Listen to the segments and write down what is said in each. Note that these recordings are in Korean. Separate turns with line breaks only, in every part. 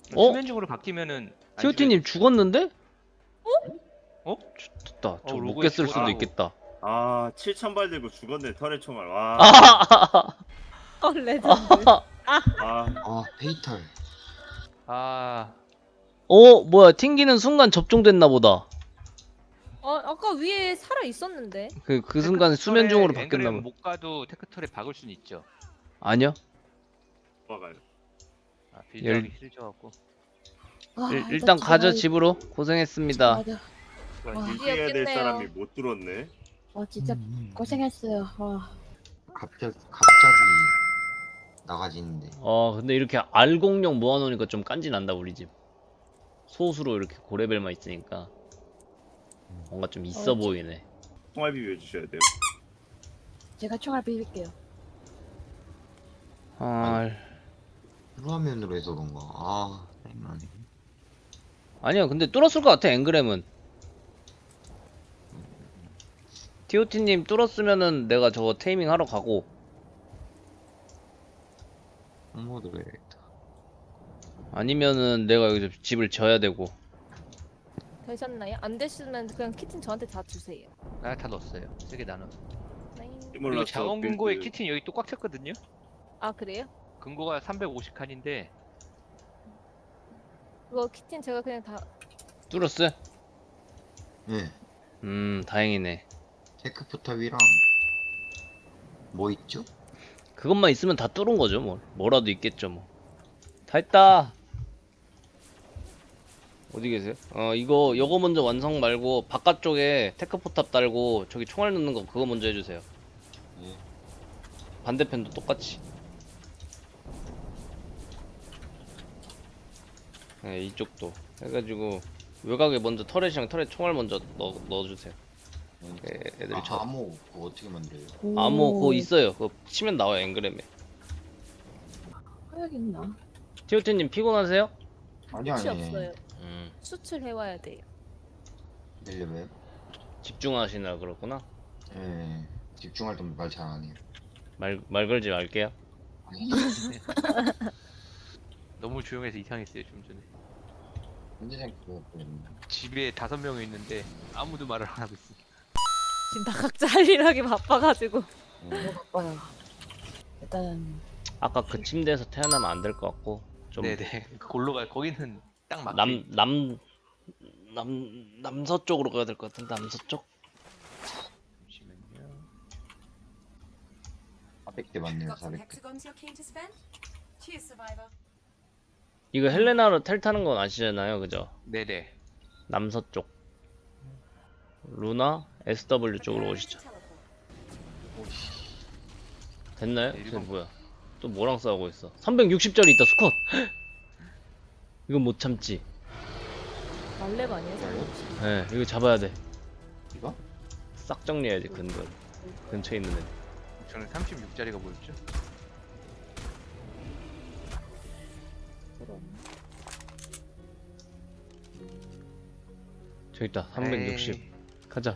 어?
수면중으로 바뀌면은 안
티오티님 죽었는데?
어?
됐다. 저
로고에
로켓 쓸 수도
죽었다고.
있겠다.
아 7,000발 들고 죽었네 털의 총알. 와.
아,
레전드.
아
아 페이탈.
아,
뭐야, 튕기는 순간 접종됐나 보다.
아까 위에 살아 있었는데.
그 순간에 수면 중으로 바뀌었나
앵그램
봐.
못 가도 테크털에 박을 수는 있죠.
아니요.
와가요.
아, 빌드하기 싫어져갖고.
일단 가죠, 집으로. 고생했습니다.
맞아. 와,
일해야 될
귀엽겠네요.
사람이 못 들었네.
진짜 고생했어요.
갑자기 나가지는데.
근데 이렇게 R06 모아놓으니까 좀 깐지 난다, 우리 집. 소수로 이렇게 고레벨만 있으니까. 뭔가 좀 있어 보이네.
총알 비벼주셔야 돼요.
제가 총알 비빌게요.
후화면으로 해서 그런가. 땡나네.
아니야, 근데 뚫었을 것 같아, 앵그램은. TOT님 뚫었으면은 내가 저거 테이밍 하러 가고.
홍모드로 해야겠다.
아니면은 내가 여기서 집을 져야 되고.
되셨나요? 안 되시면 그냥 키튼 저한테 다 주세요.
아, 다 넣었어요. 3개 나눠.
네.
그리고
스몰라스
자원 금고에
빌드.
키튼 여기 또 꽉 찼거든요.
아 그래요?
금고가 350칸인데
그거 키튼 제가 그냥 다
뚫었어?
예.
다행이네.
테크포탑이랑 뭐 있죠?
그것만 있으면 다 뚫은 거죠, 뭐. 뭐라도 있겠죠, 뭐. 다 했다. 어디 계세요? 요거 먼저 완성 말고 바깥쪽에 테크포탑 달고 저기 총알 넣는 거 그거 먼저 해주세요.
예.
반대편도 똑같이. 네, 이쪽도 해가지고 외곽에 먼저 터렛이랑 터렛 총알 먼저 넣어주세요. 네, 애들이
암호 그거 어떻게 만들어요?
암호 그거 있어요. 그거 치면 나와요, 앵그램에.
해야겠나?
티오티님 피곤하세요?
아니
수치 없어요.
음,
수출해와야 돼요.
내려봐요?
집중하시느라 그렇구나.
예. 집중할 때 말 잘 안 해요.
말 걸지 말게요.
너무 조용해서 이상했어요 좀 전에.
현재장 그거 보였는데.
집에 5명이 있는데 아무도 말을 안 하고 있어.
지금 다 각자 할 일 하기 바빠가지고.
예.
바빠요. 일단
아까 그 침대에서 태어나면 안 될 것 같고 좀
네네. 골로 가. 거기는 딱 맞게.
남서쪽으로 가야 될 것 같은데. 남서쪽?
잠시만요.
400대 맞네요.
Got some
400대.
hexagons you're keen to spend? Cheers, survivor.
이거 헬레나로 텔 타는 건 아시잖아요, 그죠?
네네.
남서쪽. 루나 SW 쪽으로
Preparing
오시죠.
to teleport.
됐나요?
네,
쟤
이거-
뭐야? 또 뭐랑 싸우고 있어? 360짜리 있다, 스컷. 이건 못 참지.
말렙 아니에요?
네, 이거 잡아야 돼.
이거?
싹 정리해야지, 근처에 있는 애.
저는 36짜리가 뭐였죠?
저기 있다, 360.
에이,
가자.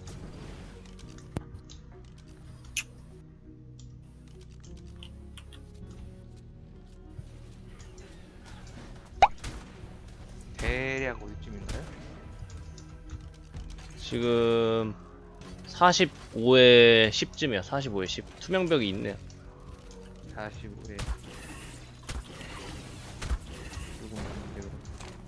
대략 어디쯤인가요?
지금 45에 10쯤이야. 45에 10. 투명벽이 있네요.
45에 조금 많은데 그럼.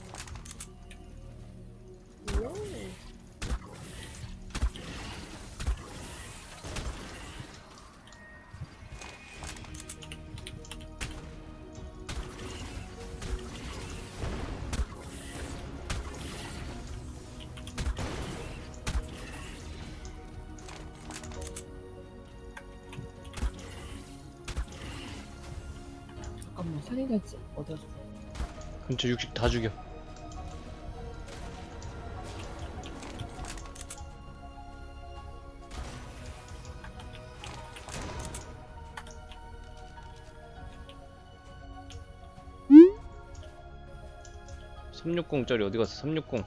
잠깐만 살인했지 어디였어?
근처 60 다 죽여. (360짜리) 어디 갔어? 360.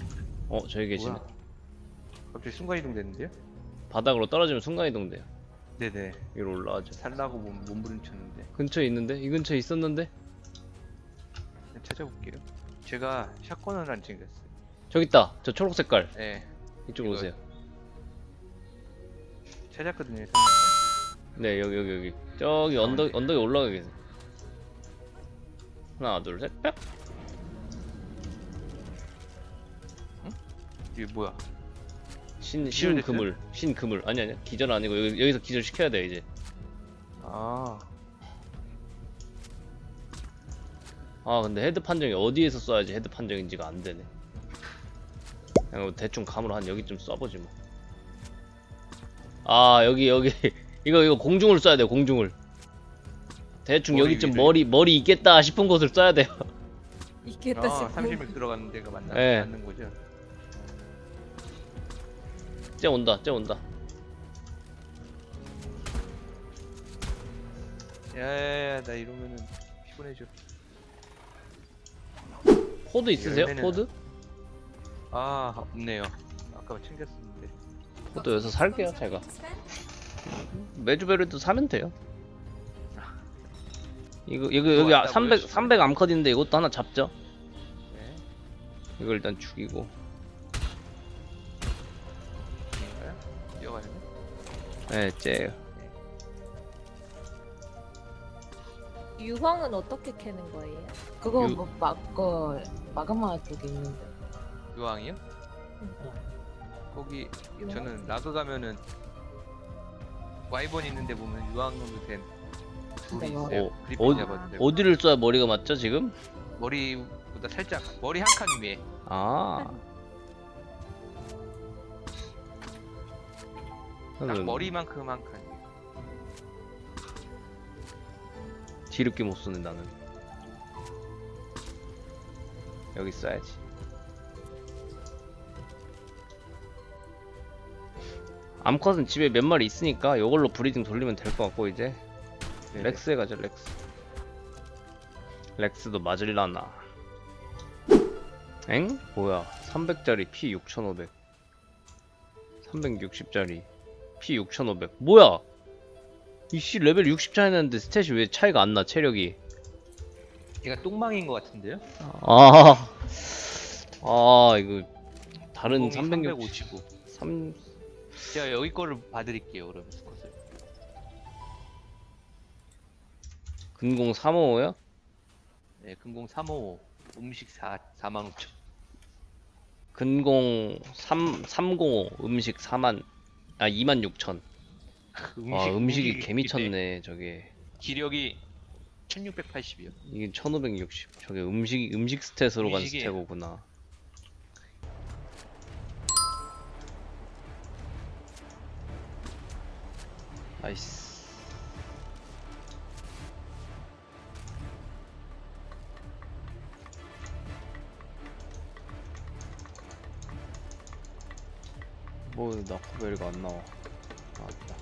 저기 계시네.
뭐야? 갑자기 순간이동 됐는데요?
바닥으로 떨어지면 순간이동 돼요.
네네.
위로 올라가죠.
살라고 몸부림쳤는데
근처에 있는데? 이 근처에 있었는데?
그냥 찾아볼게요. 제가 샷건을 안 챙겼어요.
저기 있다. 저 초록 색깔.
네.
이쪽으로
이거-
오세요.
찾았거든요.
네, 여기. 저기 언덕에 올라가 계세요. 하나, 둘, 셋, 뿅!
이게 뭐야?
신그물. 아니야. 기절 아니고 여기서 기절 시켜야 돼, 이제.
아,
아, 근데 헤드 판정이 어디에서 쏴야지 헤드 판정인지가 안 되네. 그냥 뭐 대충 감으로 한 여기쯤 쏴보지 뭐. 아, 여기. 이거 공중을 쏴야 돼요, 공중을. 대충
머리
여기쯤
위를.
머리 있겠다 싶은 곳을 쏴야 돼요.
있겠다
아
싶고.
30명 들어가는 데가
네.
맞는 거죠?
쟤 온다.
야야야, 나 이러면은 피곤해져.
코드 있으세요?
열매는-
코드?
아, 없네요. 아까 챙겼었는데.
코드 여기서 살게요, 제가.
To spend?
메주베르도 사면 돼요. 이거
그거
여기
왔다고요,
300 암컷인데 이것도 하나 잡죠.
네.
이거 일단 죽이고.
인가요? 뛰어가야 돼?
네, 쟤.
유황은 어떻게 캐는 거예요?
그거
유-
뭐 마그마 쪽에 있는데.
유황이요? 거기 저는 라그 가면은 와이번 있는데 보면 유황으로 된 돌이
진짜요?
있어요.
어,
그리핀 잡았는데
어디를 쏴야 머리가 맞죠, 지금?
머리보다 살짝 머리 한 칸 위에.
아.
딱 머리만큼 한 칸 위에.
뒤늦게 못 쏘네, 나는. 여기 쏴야지. 암컷은 집에 몇 마리 있으니까 이걸로 브리딩 돌리면 될 것 같고 이제
네네.
렉스에 가자. 렉스도 맞을라나. 엥? 뭐야? 300짜리 피 6,500. 360짜리 피 6,500. 뭐야? 이씨 레벨 60 차이 나는데 스탯이 왜 차이가 안 나? 체력이.
얘가 똥망인 것 같은데요?
이거 다른 360.
355.
3
제가 여기 거를 봐드릴게요. 그러면 스컷을.
근공 355요?
네, 금공 355. 음식 45,000.
근공 305 음식 26,000. 와, 음식이 개미쳤네, 저게.
기력이 1680이요.
이게 1560. 저게 음식 스탯으로 간
음식이-
스탯이구나. 나이스. 뭐 나코벨가 안 나와. 나왔다.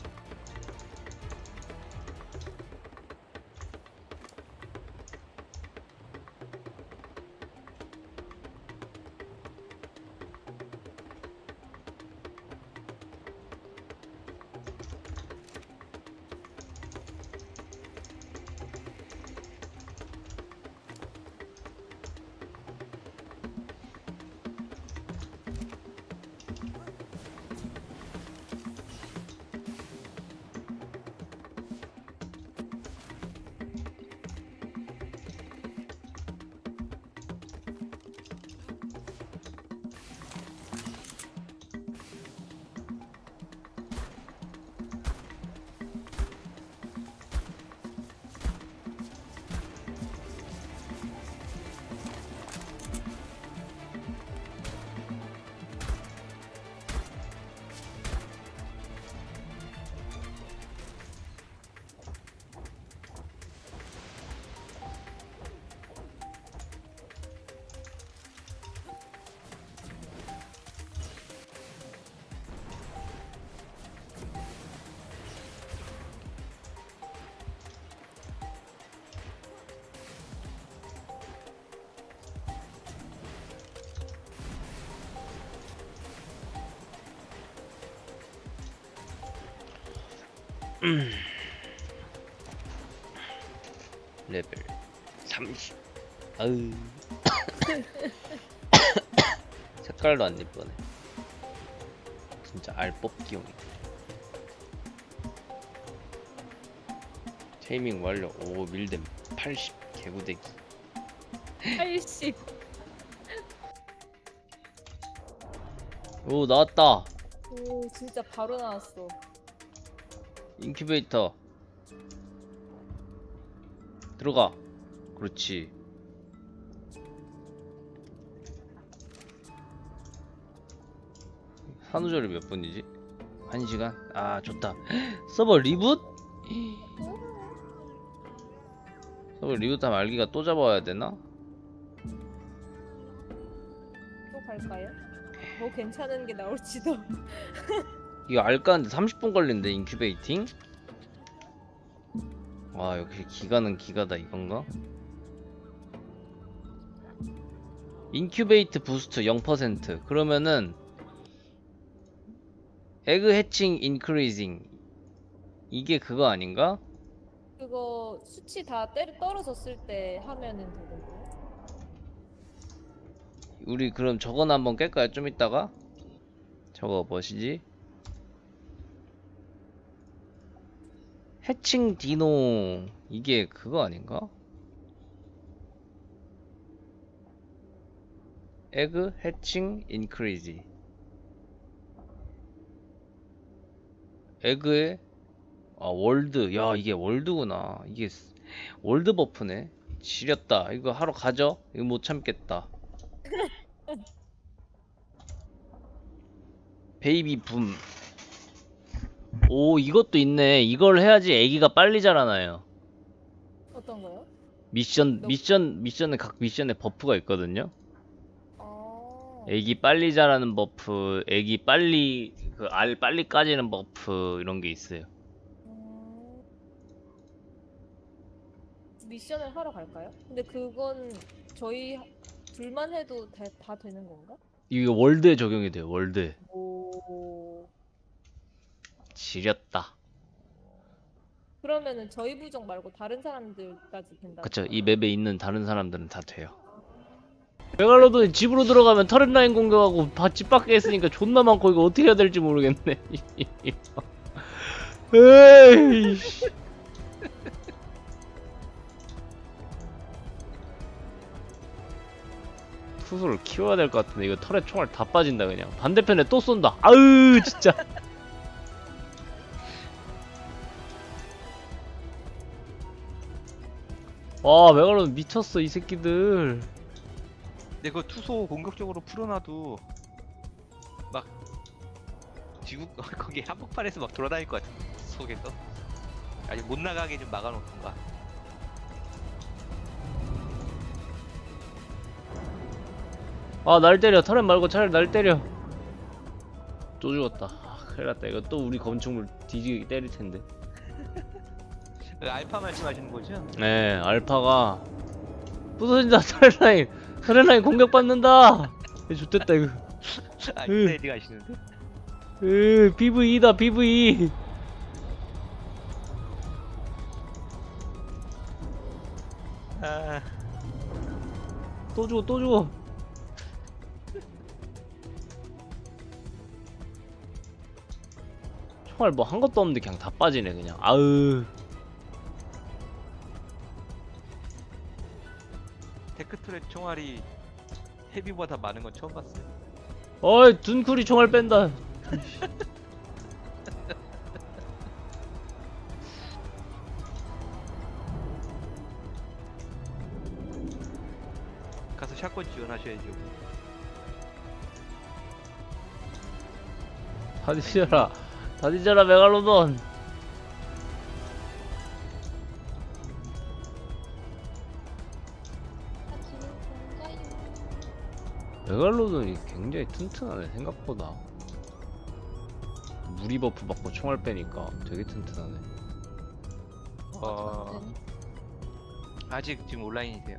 레벨 30. 아유. 색깔도 안 예쁘네. 진짜 알뽑기용이다. 테이밍 완료. 오 밀댐 80 개구대기.
80.
오 나왔다.
오 진짜 바로 나왔어.
인큐베이터 들어가. 그렇지. 산후조리 몇 분이지? 1시간? 아 좋다. 서버 리붓? 서버 리붓하면 알기가 또 잡아와야 되나?
또 갈까요? 더 괜찮은 게 나올지도.
이거 알까는데 30분 걸린대 인큐베이팅? 와 역시 기가는 기가다 이건가? 인큐베이트 부스트 0%. 그러면은 에그 해칭 인크리징 이게 그거 아닌가?
그거 수치 다 떨어졌을 때 하면은 되던데.
우리 그럼 저거나 한번 깰까요? 좀 이따가? 저거 뭐시지? 해칭 디노 이게 그거 아닌가? 에그 해칭 인크리지 에그에 아 월드. 야 이게 월드구나. 이게 월드 버프네. 지렸다. 이거 하러 가죠? 이거 못 참겠다. 베이비 붐. 오 이것도 있네. 이걸 해야지 애기가 빨리 자라나요.
어떤 거요?
미션에 각 미션에 버프가 있거든요.
아.
애기 빨리 자라는 버프, 애기 빨리 그 알 빨리 까지는 버프 이런 게 있어요.
미션을 하러 갈까요? 근데 그건 저희 둘만 해도 다 되는 건가?
이게 월드에 적용이 돼요. 월드에.
오.
지렸다.
그러면은 저희 부족 말고 다른 사람들까지 된다.
그쵸. 이 맵에 있는 다른 사람들은 다 돼요. 메갈로돈 집으로 들어가면 터렛 라인 공격하고 집 밖에 있으니까 존나 많고 이거 어떻게 해야 될지 모르겠네. 에이. 투수를 키워야 될 것 같은데 이거 터렛 총알 다 빠진다 그냥. 반대편에 또 쏜다. 아으 진짜. 와 메갈로돈 미쳤어 이 새끼들.
근데 그 투소 공격적으로 풀어놔도 막 지구 거기 한복판에서 막 돌아다닐 것 같은 속에서 아직 못 나가게 좀 막아놓던가.
아 날 때려. 터렛 말고 차라리 날 때려. 또 죽었다. 아, 큰일 났다. 이거 또 우리 건축물 뒤지게 때릴 텐데.
알파 말씀하시는 거죠?
네 알파가 부서진다. 터렛 라인 공격받는다. 좋됐다 이거.
아 인사이드 가시는데?
PVE다 PVE.
아
또 죽어 또 죽어. 총알 뭐 한 것도 없는데 그냥 다 빠지네 그냥. 아으.
테크트랙 총알이 헤비보다 많은 건 처음 봤어요.
어이 둔쿨이 총알 뺀다.
가서 샷건 지원하셔야죠.
다 뒤져라. 다 뒤져라 메갈로돈. 메갈로돈이 굉장히 튼튼하네 생각보다. 무리 버프 받고 총알 빼니까 되게 튼튼하네.
아직 지금 온라인이세요?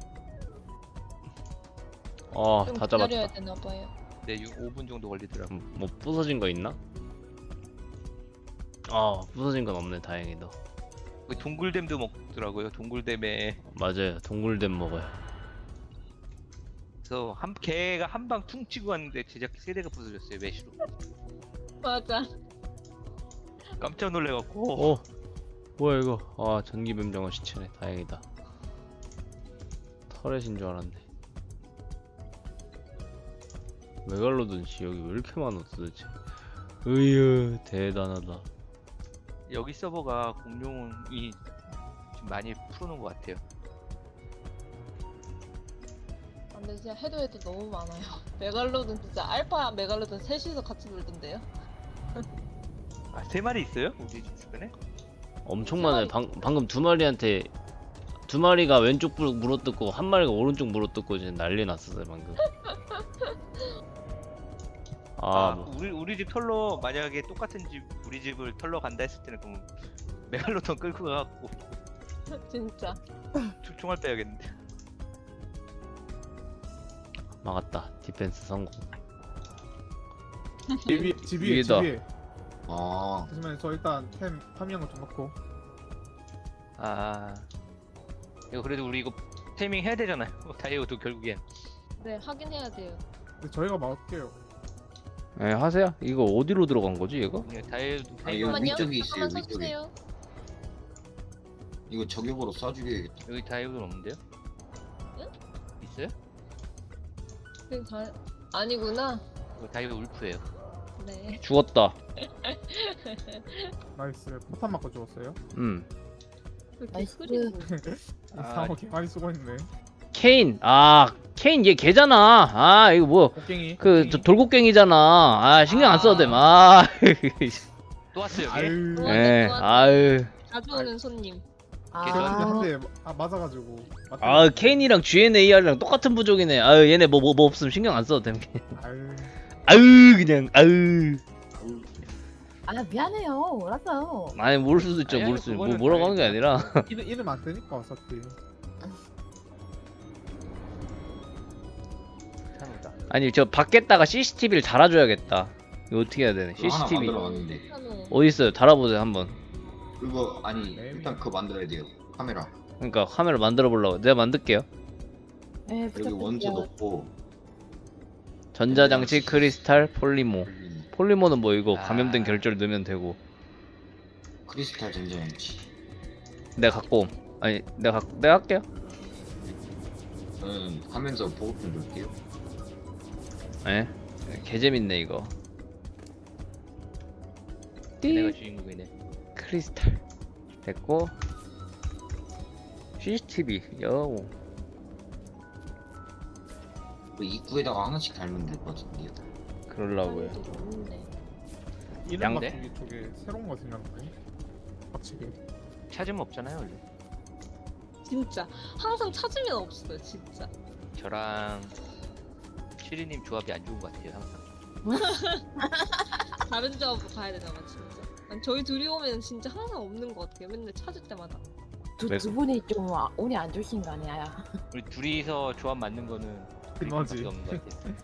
아
좀
다
기다려야
잡았다.
되나 봐요.
네, 5분 정도 걸리더라고.
뭐 부서진 거 있나? 아 부서진 건 없네 다행히도.
그 동굴댐도 먹더라고요. 동굴댐에
맞아요 동굴댐 먹어요.
그래서 개가 한 방 퉁 치고 왔는데 제작기 세대가 부서졌어요. 메시로.
맞아.
깜짝 놀래갖고.
어 뭐야 이거. 아 전기뱀장어 시체네 다행이다. 터렛인 줄 알았네. 메갈로돈 씨 여기 왜 이렇게 많아 도대체. 으유 대단하다.
여기 서버가 공룡이 좀 많이 풀어놓은 것 같아요.
근데 진짜 해도 너무 많아요. 메갈로돈 진짜 알파 메갈로돈 셋이서 같이 놀던데요.
아, 3마리 있어요? 우리 집 주변에?
엄청 많아요. 방금 두 마리한테 두 마리가 왼쪽 물어뜯고 한 마리가 오른쪽 물어뜯고 지금 난리 났었어요 방금.
아,
뭐.
우리 집 털러 만약에 똑같은 집 우리 집을 털러 간다 했을 때는 그럼 메갈로돈 끌고 가갖고
진짜.
총알 빼야겠는데.
막았다. 디펜스 성공.
집 위에
위에다.
집 위에.
아
잠시만요. 저 일단 템 파밍한 거좀 넣고.
아, 이거 그래도 우리 이거 테이밍 해야 되잖아요. 다이어도 결국엔.
네 하긴 해야 돼요.
근데 저희가 막을게요.
네 하세요. 이거 어디로 들어간 거지 이거?
다이어도
아, 이거
테이밍.
잠깐만요.
위쪽에 있어요,
잠깐만
위쪽에.
서주세요.
이거 저격으로 쏴주게야겠다.
여기 다이어도 없는데요?
응?
있어요?
그냥 다 아니구나.
이거 다이어 울프예요.
네.
죽었다.
나이스. 포탄 맞고 죽었어요.
그렇게
나이스.
흐리고.
상어 개 많이 쓰고 있네.
케인. 아 케인 얘 걔잖아. 아 이거 뭐
곡괭이.
그 저 돌고갱이잖아. 아 신경 안 써도 돼. 아.
또 왔어요 여기?
아유.
또
예.
왔네.
아유.
자주 오는 손님.
제가
아,
한대 맞아가지고.
아 케인이랑 GNAR이랑 똑같은 부족이네. 아유 얘네 뭐 없으면 신경 안 써도 돼.
아유.
아유 그냥 아유.
아 미안해요. 몰랐어요.
아니 모를 수도 있죠.
아니,
모를 수. 뭐
그거는
뭐라고 하는 게 아니라.
이름 안 뜨니까 어차피.
괜찮다.
아니 저 밖에다가 CCTV를 달아줘야겠다. 이거 어떻게 해야 되네.
그거 하나
CCTV
만들어놨는데.
한우.
어디 있어요? 달아보세요 한번.
그거 아니 일단 그거 만들어야 돼요. 카메라.
그러니까 카메라 만들어 보려고. 내가 만들게요.
네,
여기 원소
부탁드릴게요.
넣고.
전자장치 크리스탈 폴리모. 폴리모는 뭐 이거
아.
감염된 결절 넣으면 되고.
크리스탈 전자장치.
내가 갖고 옴. 아니 내가 할게요.
저는 하면서 보급 좀 넣을게요.
예. 개 재밌네 이거.
내가
띠
주인공이네.
크리스탈 됐고. CCTV 요.
그 입구에다가 하나씩 달면 될 것 같은데요.
그러려고요.
한우도 없는데.
이름
양대?
바꾸기 쪽에 새로운 거 생겼네. 확실히.
찾으면 없잖아요 원래.
진짜 항상 찾으면 없어요. 진짜.
저랑 시리님 조합이 안 좋은 것 같아요 항상.
다른 조합으로 가야 되나 봐 진짜. 아니, 저희 둘이 오면 진짜 항상 없는 것 같아요. 맨날 찾을 때마다.
왜
두 분이 좀 운이 안 좋으신 거 아니야?
우리 둘이서 조합 맞는 거는
그거지.
브리핑밖에 없는 것 같아요.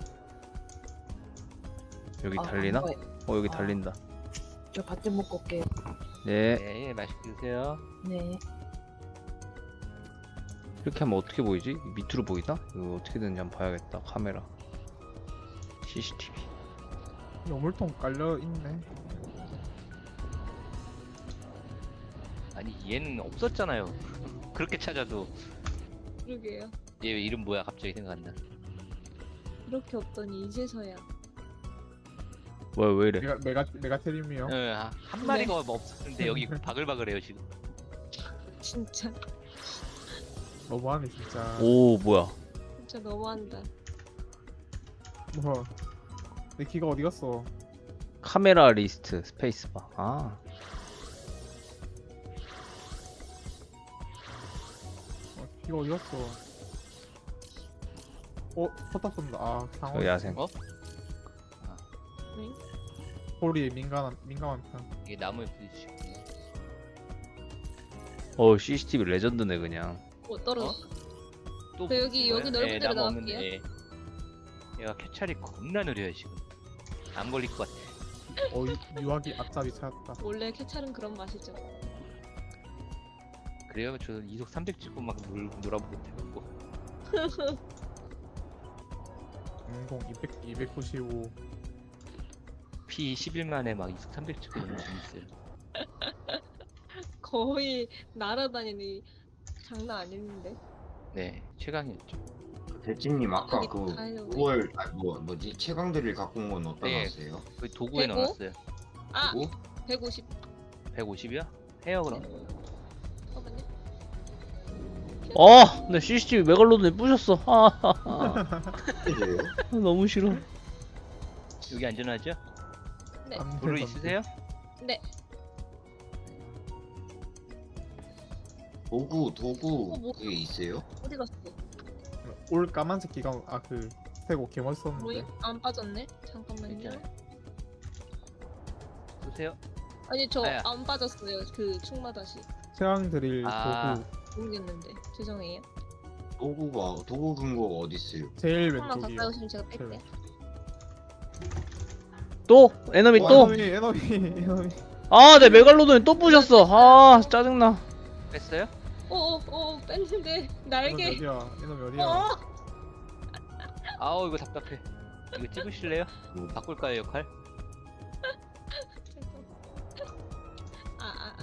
여기
아,
달리나?
안 보여.
여기
아.
달린다.
저 밥 좀 먹고 올게요.
네.
네, 맛있게 드세요.
네.
이렇게 하면 어떻게 보이지? 밑으로 보이나? 이거 어떻게 되는지 한번 봐야겠다. 카메라. CCTV.
여물통 깔려 있네.
아니 얘는 없었잖아요. 그렇게 찾아도
그러게요.
얘 이름 뭐야 갑자기 생각 안 나.
이렇게 없더니 이제서야.
뭐야 왜 이래?
메가테림이요.
한 마리가 없었는데 여기 바글바글해요 지금.
진짜
너무하네 진짜.
오 뭐야?
진짜 너무한다.
뭐. 내 키가 어디 갔어?
카메라 리스트 스페이스바. 아
키가 어디 갔어? 포탑 쏜다. 아 상어.
저 야생.
어?
소리에 민감한 편.
이게 나무에 부딪히고.
CCTV 레전드네 그냥.
떨어졌어.
또
저 여기
부딪힌 거예요?
넓은 데로
나무
나갈게요.
없는데 얘가 캐찰이 겁나 느려요 지금. 안 걸릴 것 같아.
유아기 앞잡이 찾았다.
원래 캐찰은 그런 맛이죠.
그래요? 저 이속 300 찍고 막 놀아보고 해갖고.
인공 295.
P 11만에 막 이속 300 찍고 너무 재밌어요.
거의 날아다니니 장난 아닌데.
네, 최강이었죠.
대진님 아까
저기
그
다이너마이트.
5월 뭐지 최강들을 갖고 온 건 어디다
네.
놨어요?
그 도구에
대구?
넣어놨어요.
아,
그리고
150.
150이야? 해요 그럼.
잠깐만요.
내 CCTV 메갈로돈에 부셨어.
이제요?
너무 싫어.
여기 안전하죠?
네.
도로 있으세요?
네.
도구
뭐?
그게 있어요?
어디 갔어?
올 까만색 기가 그 새고
뭐이
개멋있었는데.
안 빠졌네. 잠깐만요.
괜찮아요. 보세요.
아니 저
아야.
안 빠졌어요. 그 충마다시
최강 드릴
아.
도구
모르겠는데 죄송해요.
도구 근거가 어디 있어요?
제일
하나 더
왼쪽이요.
빠졌으면 제가 뺄게요.
또 에너미
와,
또.
에너미.
내 메갈로돈에 또 부셨어. 짜증나.
뺐어요?
오오오 뺐는데
에너미
날개.
어디야? 에너미 어디야?
어.
아우 이거 답답해. 이거 찍으실래요? 바꿀까요 역할?
아아아.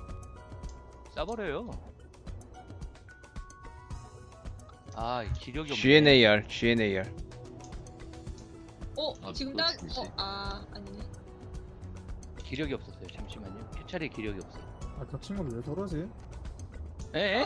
싸버려요. 아 기력이 없네.
GNAR.
어 지금
그거
딱.
재밌어요.
아니네.
기력이 없었어요. 잠시만요. 캐찰에 기력이 없어요.
저 친구들 왜 저러지?
에?